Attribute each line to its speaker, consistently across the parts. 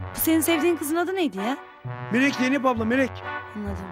Speaker 1: Senin sevdiğin kızın adı neydi ya?
Speaker 2: Melek Zeynep abla, Melek.
Speaker 1: Anladım.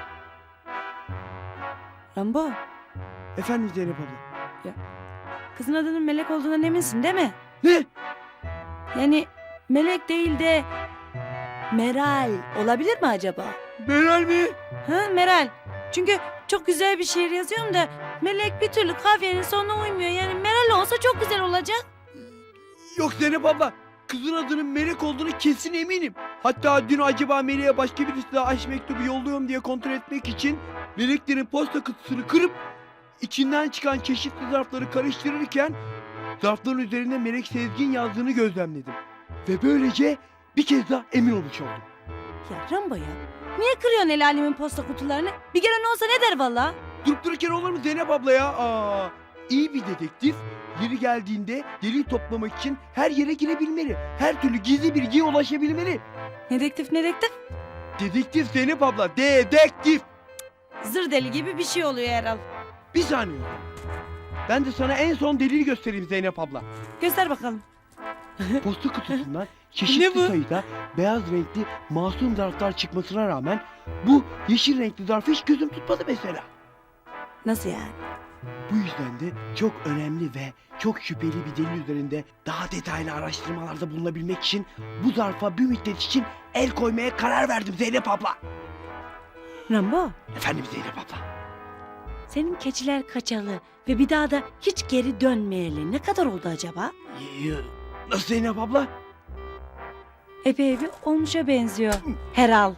Speaker 1: Rambo,
Speaker 2: Efendim Zeynep abla.
Speaker 1: kızın adının Melek olduğundan eminsin değil mi?
Speaker 2: Ne?
Speaker 1: Yani Melek değil de Meral olabilir mi acaba?
Speaker 2: Meral mi?
Speaker 1: Ha Meral. Çünkü çok güzel bir şiir yazıyorum da Melek bir türlü kafiyenin sonuna uymuyor. Yani Meral olsa çok güzel olacak.
Speaker 2: Yok Zeynep abla. Kızın adının Melek olduğunu kesin eminim. Hatta dün acaba Melek'e başka birisi daha aşk mektubu yolluyorum diye kontrol etmek için Meleklerin posta kutusunu kırıp içinden çıkan çeşitli zarfları karıştırırken zarfların üzerinde Melek Sezgin yazdığını gözlemledim. Ve böylece bir kez daha emin olmuş oldum.
Speaker 1: Ya Rambo ya. Niye kırıyorsun el alemin posta kutularını? Bir gelen olsa ne der valla?
Speaker 2: Durup dururken olur mu Zeynep abla ya? İyi bir dedektif yeri geldiğinde delil toplamak için her yere girebilmeli. Her türlü gizli bilgiye ulaşabilmeli.
Speaker 1: Dedektif dedektif.
Speaker 2: Dedektif Zeynep abla, dedektif.
Speaker 1: Zır deli gibi bir şey oluyor herhal.
Speaker 2: Bir saniye. Ben de sana en son delili göstereyim Zeynep abla.
Speaker 1: Göster bakalım.
Speaker 2: Posta kutusundan
Speaker 1: Ne
Speaker 2: çeşitli
Speaker 1: bu?
Speaker 2: sayıda beyaz renkli masum zarflar çıkmasına rağmen bu yeşil renkli zarfı hiç gözüm tutmadı mesela.
Speaker 1: Nasıl yani?
Speaker 2: Bu yüzden de çok önemli ve çok şüpheli bir delil üzerinde daha detaylı araştırmalarda bulunabilmek için bu zarfa bir müddet için el koymaya karar verdim Zeynep abla.
Speaker 1: Rambo,
Speaker 2: Efendim Zeynep abla.
Speaker 1: senin keçiler kaçalı ve bir daha da hiç geri dönmeyeli ne kadar oldu acaba?
Speaker 2: Nasıl Zeynep abla?
Speaker 1: Epey bir olmuşa benziyor. Herhal.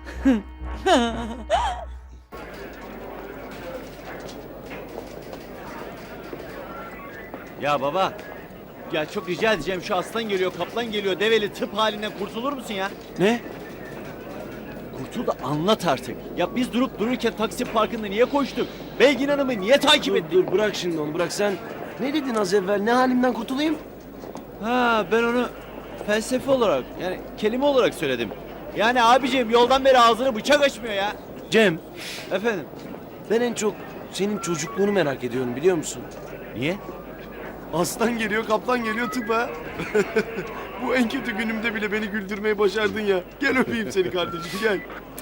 Speaker 3: Ya baba, ya çok rica edeceğim, şu aslan geliyor, kaplan geliyor, develi tıp halinden kurtulur musun ya?
Speaker 2: Ne?
Speaker 3: Kurtul da anlat artık. Ya biz durup dururken taksi parkında niye koştuk? Belgin Hanım'ı niye takip ettik?
Speaker 4: Dur bırak şimdi onu bırak sen. Ne dedin az evvel? Ne halimden kurtulayım?
Speaker 3: Ha, ben onu felsefe olarak, yani kelime olarak söyledim. Yani abiciğim yoldan beri ağzını bıçak açmıyor ya.
Speaker 4: Cem,
Speaker 3: Efendim?
Speaker 4: ben en çok senin çocukluğunu merak ediyorum biliyor musun?
Speaker 3: Niye?
Speaker 4: Aslan geliyor, kaplan geliyor tıpa. Bu en kötü günümde bile beni güldürmeyi başardın ya. Gel öpeyim seni kardeşim gel.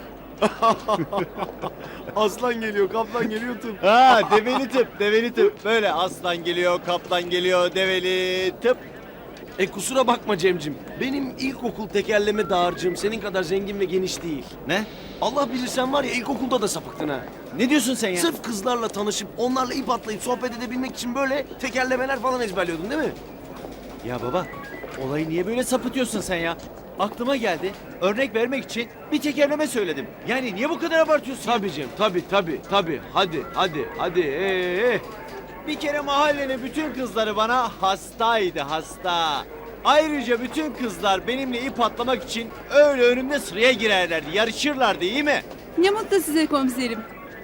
Speaker 4: Aslan geliyor, kaplan geliyor tıp.
Speaker 3: Ha, develi tıp, develi tıp. Böyle aslan geliyor, kaplan geliyor, develi tıp.
Speaker 4: Kusura bakma Cemcim. Benim ilkokul tekerleme dağarcığım senin kadar zengin ve geniş değil.
Speaker 3: Ne?
Speaker 4: Allah bilir sen var ya ilkokulda da sapıktın ha.
Speaker 3: Ne diyorsun sen ya?
Speaker 4: Sırf kızlarla tanışıp onlarla ip atlayıp sohbet edebilmek için böyle tekerlemeler falan ezberliyordun değil mi?
Speaker 3: Ya baba, olayı niye böyle sapıtıyorsun sen ya? Aklıma geldi, örnek vermek için bir tekerleme söyledim. Yani niye bu kadar abartıyorsun ya?
Speaker 4: Tabii Cem, tabii. Hadi.
Speaker 3: Bir kere mahallenin bütün kızları bana hastaydı, hasta. Ayrıca bütün kızlar benimle ip atlamak için öyle önümde sıraya girerlerdi, yarışırlardı, iyi mi?
Speaker 5: Ne mutlu size komiserim.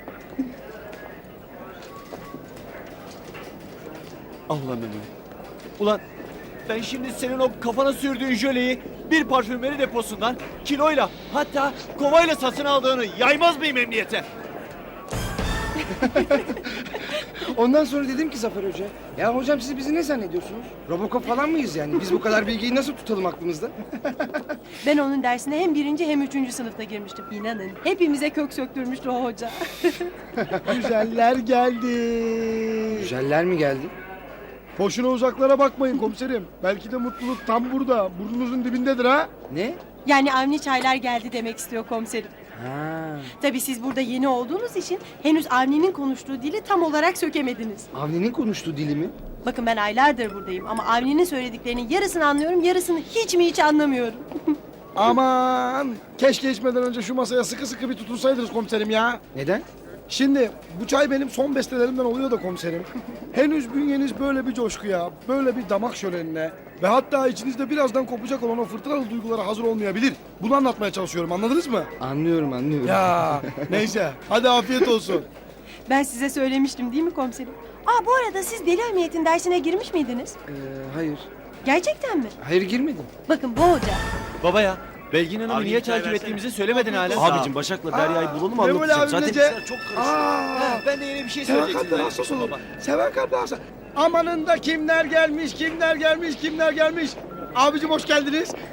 Speaker 3: Allah'ım Emre. Ulan ben şimdi senin o kafana sürdüğün jöleyi bir parfümeri deposundan kiloyla, hatta kovayla satın aldığını yaymaz mıyım emniyete?
Speaker 6: Ondan sonra dedim ki Zafer Hoca, ya hocam siz bizi ne zannediyorsunuz? Robocop falan mıyız yani? Biz bu kadar bilgiyi nasıl tutalım aklımızda?
Speaker 5: Ben onun dersine hem birinci hem üçüncü sınıfta girmiştim. İnanın. Hepimize kök söktürmüştü o hoca.
Speaker 7: Güzeller geldi.
Speaker 6: Güzeller mi geldi?
Speaker 7: Boşuna uzaklara bakmayın komiserim. Belki de mutluluk tam burada. Burnunuzun dibindedir ha.
Speaker 6: Ne?
Speaker 5: Yani Avni Çaylar geldi demek istiyor komiserim.
Speaker 6: Ha,
Speaker 5: Tabii siz burada yeni olduğunuz için henüz Avni'nin konuştuğu dili tam olarak sökemediniz.
Speaker 6: Avni'nin konuştuğu dili mi?
Speaker 5: Bakın ben aylardır buradayım ama Avni'nin söylediklerinin yarısını anlıyorum, yarısını hiç anlamıyorum.
Speaker 7: Aman. Keşke içmeden önce şu masaya sıkı sıkı bir tutunsaydınız komiserim ya.
Speaker 6: Neden?
Speaker 7: Şimdi bu çay benim son bestelerimden oluyor da komiserim. Henüz bünyeniz böyle bir coşkuya, böyle bir damak şölenine ve hatta içinizde birazdan kopacak olan o fırtınalı duygulara hazır olmayabilir. Bunu anlatmaya çalışıyorum, anladınız mı?
Speaker 6: Anlıyorum.
Speaker 7: Ya neyse, hadi afiyet olsun.
Speaker 5: Ben size söylemiştim değil mi komiserim? Aa bu arada siz deli emniyetin dersine girmiş miydiniz?
Speaker 6: Hayır.
Speaker 5: Gerçekten mi?
Speaker 6: Hayır girmedim.
Speaker 5: Bakın bu hoca.
Speaker 3: Baba ya, Belgin Hanım'ı
Speaker 4: Abi,
Speaker 3: niye
Speaker 4: çay
Speaker 3: takip
Speaker 4: versene.
Speaker 3: ettiğimizi söylemedin hala.
Speaker 4: Abicim Başak'la Derya'yı bulalım
Speaker 7: Memoli
Speaker 4: anlatacağım.
Speaker 7: abim
Speaker 4: Zaten
Speaker 7: Nece-
Speaker 4: işler çok karışık.
Speaker 7: Aa,
Speaker 3: Ben de yine bir şey
Speaker 7: seven
Speaker 3: söyleyecektim.
Speaker 7: kalpler hassas olur. Seven kalpler hassas. Amanın da kimler gelmiş. Abicim hoş geldiniz.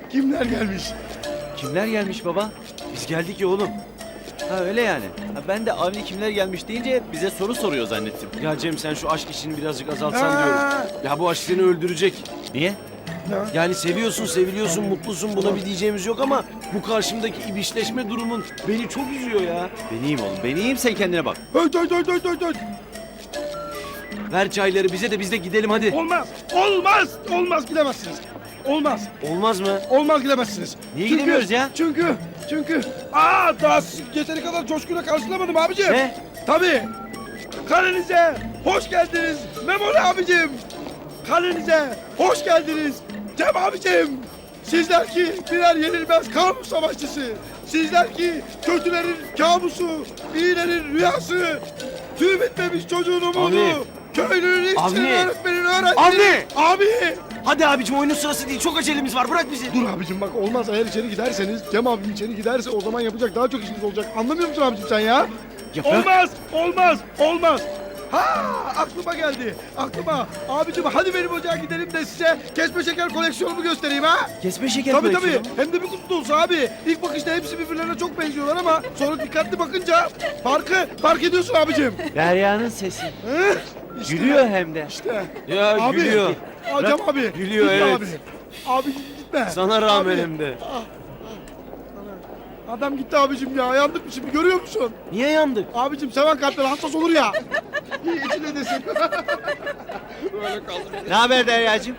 Speaker 7: Kimler gelmiş?
Speaker 3: Kimler gelmiş baba? Biz geldik ya oğlum. Ha öyle yani. Ha, ben de Avni kimler gelmiş deyince bize soru soruyor zannettim.
Speaker 4: Ya Cem sen şu aşk işini birazcık azaltsan diyorum. Ya bu aşk seni öldürecek.
Speaker 3: Niye?
Speaker 4: Yani seviyorsun, seviliyorsun, mutlusun, buna bir diyeceğimiz yok ama bu karşımdaki ibişleşme durumun beni çok üzüyor ya.
Speaker 3: Ben iyiyim oğlum. Ben iyiyim, sen kendine bak.
Speaker 7: Höt höt höt höt höt höt.
Speaker 4: Ver çayları bize de biz de gidelim hadi.
Speaker 7: Olmaz. Olmaz. Olmaz gidemezsiniz. Olmaz.
Speaker 4: Olmaz mı?
Speaker 7: Olmaz gidemezsiniz.
Speaker 3: Niye gidemiyoruz ya?
Speaker 7: Çünkü daha siz yeteri kadar coşkuyla karşılamadım abicim.
Speaker 3: Ne?
Speaker 7: Tabii. Kalenize hoş geldiniz Memoli abicim. Kalenize hoş geldiniz Cem abicim. Sizler ki birer yenilmez kamu savaşçısı. Sizler ki kötülerin kabusu, iyilerin rüyası. Tüy bitmemiş çocuğun umudu.
Speaker 4: Abi.
Speaker 7: Köylünün işçinin
Speaker 4: Abi.
Speaker 7: öğretmenin öğrencinin. Abi.
Speaker 4: Hadi abicim oyunun sırası değil. Çok acelemiz var. Bırak bizi.
Speaker 7: Dur abicim bak olmaz eğer içeri giderseniz Cem abim içeri giderse o zaman yapacak daha çok işiniz olacak. Anlamıyor musun abicim sen ya?
Speaker 3: Ya bırak.
Speaker 7: Olmaz, olmaz, olmaz. Ha aklıma geldi. Aklıma. Abicim hadi benim ocağa gidelim de size kesme şeker koleksiyonumu göstereyim ha.
Speaker 3: Kesme şeker
Speaker 7: Tabii
Speaker 3: koleksiyonu.
Speaker 7: tabii. Hem de bir kutu dolusu abi. İlk bakışta hepsi birbirlerine çok benziyorlar ama sonra dikkatli bakınca fark ediyorsun abicim.
Speaker 3: Derya'nın sesi.
Speaker 7: Hı? İşte,
Speaker 3: Gülüyor hem de.
Speaker 7: İşte.
Speaker 4: Ya
Speaker 7: Abi.
Speaker 4: gülüyor.
Speaker 7: Aa, Cem abi.
Speaker 4: Gülüyor,
Speaker 7: gitme
Speaker 4: evet.
Speaker 7: Abi. Abi gitme.
Speaker 4: Sana rağmen
Speaker 7: Abi.
Speaker 4: hem de.
Speaker 7: Adam gitti abicim ya. Yandık mı şimdi görüyor musun?
Speaker 4: Niye yandık?
Speaker 7: Abicim seven kalpler hassas olur ya. İçine desin.
Speaker 3: Ne haber Derya'cığım?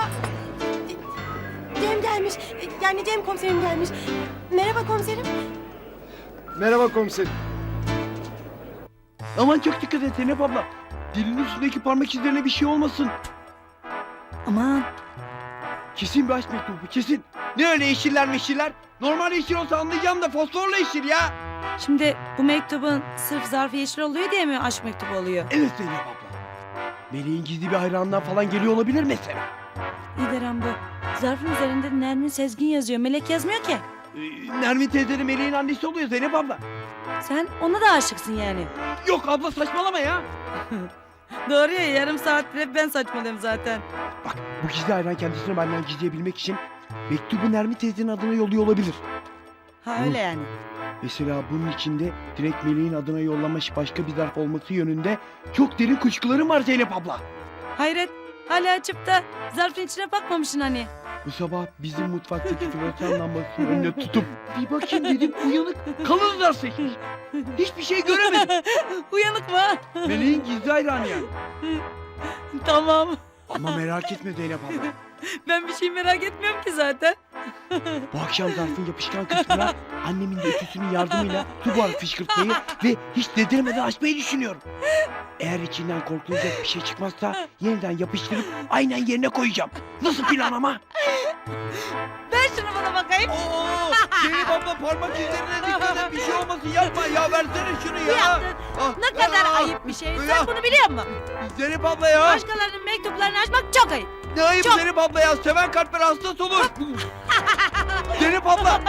Speaker 5: Cem gelmiş. Yani Cem komiserim gelmiş. Merhaba komiserim.
Speaker 6: Merhaba komiserim.
Speaker 2: Aman çok dikkat et Zeynep abla. Dilinin üstündeki parmak izlerine bir şey olmasın.
Speaker 1: Aman
Speaker 2: Kesin bir aşk mektubu kesin. Ne öyle yeşiller meşiller? Normal yeşil olsa anlayacağım da fosforla yeşil ya.
Speaker 1: şimdi bu mektubun sırf zarfı yeşil oluyor diye mi aşk mektubu oluyor?
Speaker 2: Evet Zeynep abla. Meleğin gizli bir hayranından falan geliyor olabilir mesela.
Speaker 1: İyi bu. Zarfın üzerinde Nermin Sezgin yazıyor. Melek yazmıyor ki.
Speaker 2: Nermin teyzenin Meleğin annesi oluyor Zeynep abla.
Speaker 1: Sen ona da aşıksın yani.
Speaker 2: Yok abla saçmalama ya.
Speaker 1: Doğru ya, yarım saat bile ben saçmalıyorum zaten.
Speaker 2: Bak bu gizli hayran kendisini benden gizleyebilmek için mektubu Nermin teyzenin adına yolluyor olabilir.
Speaker 1: Ha öyle yani.
Speaker 2: Mesela bunun içinde direkt Meleğin adına yollamış başka bir zarf olması yönünde çok derin kuşkularım var Zeynep abla.
Speaker 1: Hayret, hala açıp da zarfın içine bakmamışsın hani.
Speaker 2: Bu sabah bizim mutfaktaki floresan lambasının önüne tutup bir bakayım dedim uyanık kalın zarf seçmiş. Hiçbir şey göremedim.
Speaker 1: Uyanık mı?
Speaker 2: Meleğin gizli hayranı yani.
Speaker 1: Tamam.
Speaker 2: Ama merak etme Zeynep abla.
Speaker 1: Ben bir şey merak etmiyorum ki zaten.
Speaker 2: Bu akşam zarfın yapışkan kısmına annemin de ütüsünün yardımıyla su buharı fışkırtmayı ve hiç dedirmeden açmayı düşünüyorum. Eğer içinden korkulacak bir şey çıkmazsa yeniden yapıştırıp aynen yerine koyacağım. Nasıl plan ama?
Speaker 1: Ver şunu bana bakayım.
Speaker 2: Oo, Zeynep abla parmak izlerine dikkat et bir şey olmasın yapma ya versene şunu
Speaker 1: Bu yaptın. Ne kadar ayıp bir şey. Sen bunu biliyor musun?
Speaker 2: Zeynep abla ya.
Speaker 1: Başkalarının mektuplarını açmak çok ayıp.
Speaker 2: Ne ayıp
Speaker 1: Çok.
Speaker 2: Zeynep abla ya seven kalpler hassas olur. Zeynep abla.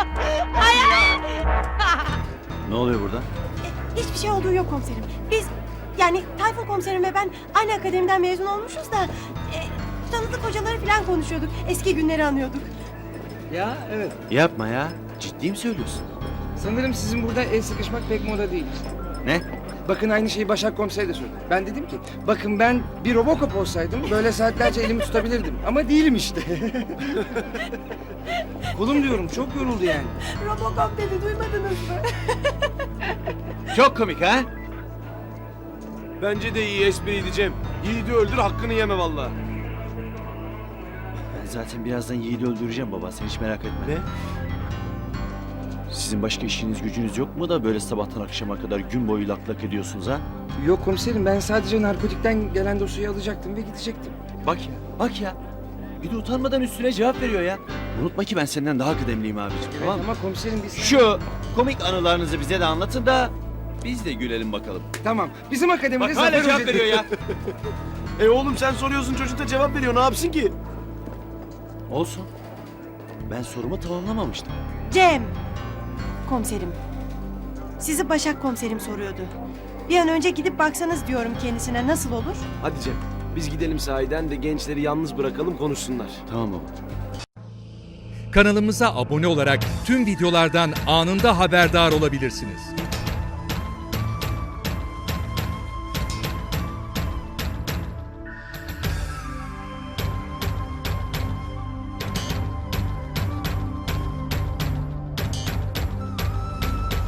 Speaker 3: Ne oluyor burada?
Speaker 5: Hiçbir şey olduğu yok komiserim. Biz yani Tayfun komiserim ve ben aynı akademiden mezun olmuşuz da tanıdık hocaları falan konuşuyorduk. Eski günleri anıyorduk.
Speaker 6: Ya evet.
Speaker 3: Yapma ya. Ciddi mi söylüyorsun?
Speaker 6: Sanırım sizin burada el sıkışmak pek moda değil.
Speaker 3: Ne?
Speaker 6: Bakın aynı şeyi Başak Komiser de söyledi. Ben dedim ki bakın ben bir Robocop olsaydım böyle saatlerce elimi tutabilirdim. Ama değilim işte. Kolum diyorum çok yoruldu yani.
Speaker 5: Robocop dedi, duymadınız mı?
Speaker 3: Çok komik ha?
Speaker 4: Bence de iyi espriydi Cem. Yiğidi öldür hakkını yeme valla.
Speaker 3: Ben zaten birazdan Yiğit'i öldüreceğim baba. Sen hiç merak etme.
Speaker 4: Ne?
Speaker 3: Sizin başka işiniz gücünüz yok mu da böyle sabahtan akşama kadar gün boyu lak lak ediyorsunuz ha?
Speaker 6: Yok komiserim ben sadece narkotikten gelen dosyayı alacaktım ve gidecektim.
Speaker 3: Bak ya, bak ya. Bir de utanmadan üstüne cevap veriyor ya. Unutma ki ben senden daha kıdemliyim abiciğim, tamam mı?
Speaker 6: Ama komiserim biz...
Speaker 3: Şu komik anılarınızı bize de anlatın da biz de gülelim bakalım.
Speaker 6: Tamam bizim akademide
Speaker 3: Bak hala
Speaker 6: Zafer
Speaker 3: cevap
Speaker 6: Hoca-
Speaker 3: veriyor ya.
Speaker 4: Oğlum sen soruyorsun çocuk da cevap veriyor ne yapsın ki?
Speaker 3: Olsun. Ben sorumu tamamlamamıştım.
Speaker 5: Cem komiserim. Sizi Başak komiserim soruyordu. Bir an önce gidip baksanız diyorum kendisine, nasıl olur?
Speaker 4: Hadi Cem biz gidelim sahiden de gençleri yalnız bırakalım konuşsunlar.
Speaker 3: Tamam baba.
Speaker 8: Kanalımıza abone olarak tüm videolardan anında haberdar olabilirsiniz.